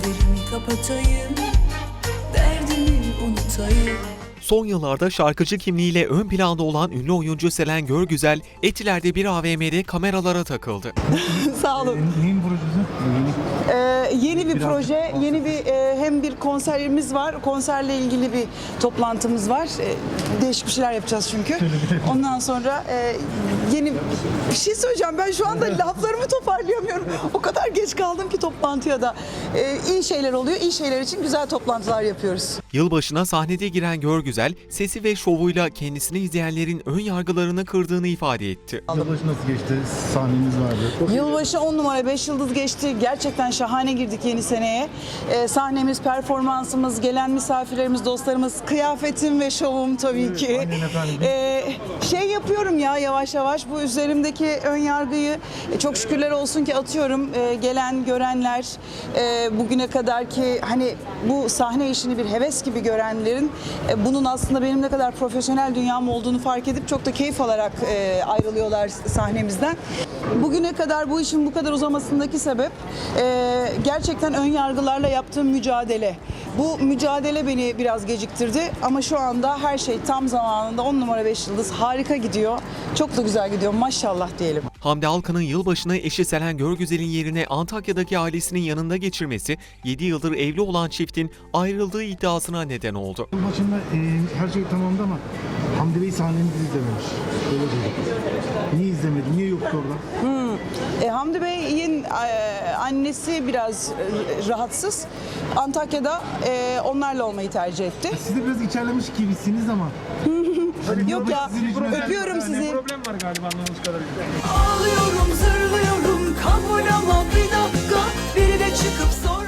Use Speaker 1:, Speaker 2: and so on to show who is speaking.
Speaker 1: Gözlerimi kapatayım, derdimi unutayım.
Speaker 2: Son yıllarda şarkıcı kimliğiyle ön planda olan ünlü oyuncu Selen Görgüzel, Etiler'de bir AVM'de kameralara takıldı.
Speaker 3: Sağ olun.
Speaker 4: Neyin projesi?
Speaker 3: Yeni bir proje, yeni bir hem bir konserimiz var. Konserle ilgili bir toplantımız var. Değişik bir şeyler yapacağız çünkü. Ondan sonra yeni bir şey söyleyeceğim. Ben şu anda laflarımı toparlayamıyorum. O kadar geç kaldım ki toplantıya da. İyi şeyler oluyor. İyi şeyler için güzel toplantılar yapıyoruz.
Speaker 2: Yılbaşına sahnede giren Görgüzel, sesi ve şovuyla kendisini izleyenlerin ön yargılarını kırdığını ifade etti.
Speaker 4: Yılbaşı nasıl geçti? Sahneniz vardı.
Speaker 3: Yılbaşı 10 numara 5 yıldız geçti. Gerçekten şahane girdik yeni seneye. Sahnemiz, performansımız, gelen misafirlerimiz, dostlarımız, kıyafetim ve şovum tabii ki.
Speaker 4: Aynen efendim.
Speaker 3: Şey yapıyorum ya yavaş yavaş bu üzerimdeki ön yargıyı çok şükürler olsun ki atıyorum. Gelen görenler bugüne kadar ki hani bu sahne işini bir heves gibi görenlerin bunun aslında benim ne kadar profesyonel dünyam olduğunu fark edip çok da keyif alarak ayrılıyorlar sahnemizden. Bugüne kadar bu işin bu kadar uzamasındaki sebep gerçekten ön yargılarla yaptığım mücadele. Bu mücadele beni biraz geciktirdi ama şu anda her şey tam zamanında 10 numara 5 yıldız harika gidiyor. Çok da güzel gidiyor maşallah diyelim.
Speaker 2: Hamdi Alkan'ın yılbaşını eşi Selen Görgüzel'in yerine Antakya'daki ailesinin yanında geçirmesi, 7 yıldır evli olan çiftin ayrıldığı iddiasına neden oldu.
Speaker 4: Yılbaşında her şey tamamdı ama Hamdi Bey sahnenizi izlememiş. Öyle dedik. Niye izlemedi? Niye yoktu orada?
Speaker 3: Hamdi Bey'in annesi biraz rahatsız. Antakya'da onlarla olmayı tercih etti.
Speaker 4: Siz de biraz içerlemiş gibisiniz ama.
Speaker 3: Yok ya öpüyorum sizi.
Speaker 4: Problem var galiba anladığımız kadarıyla.
Speaker 1: Ağlıyorum, zırlıyorum, kabul ama bir dakika. Biri de çıkıp sor.